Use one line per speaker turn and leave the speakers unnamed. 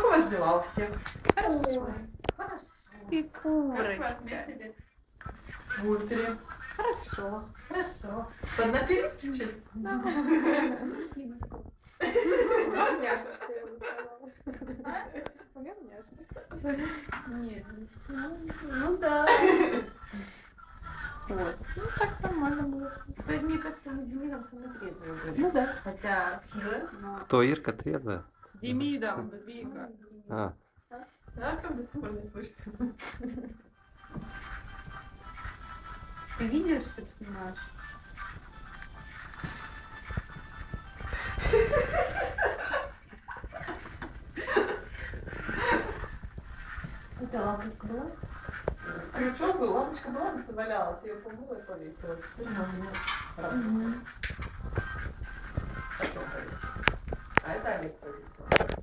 у вас дела у всех? Хорошо. Хорошо.
И
Как вы
курочка.
отметили? В утре.
Хорошо.
Хорошо. Поднапились чуть-чуть?
Да. Нет. Ну да. Вот. Ну так нормально было. То есть, мне кажется, мы с Демидом самые трезвые были.
Ну да.
Хотя,
Да?
ну,
Кто, Ирка трезвая?
с Демидом, Вика.
А,
Да, как до сих пор не слышно.
Ты видишь, что ты снимаешь? Это лампочка была?
Крючок был, лампочка была, где-то валялась, я ее помыла и повесила. Теперь она у меня работает. Потом повесила. А это Олег повесил.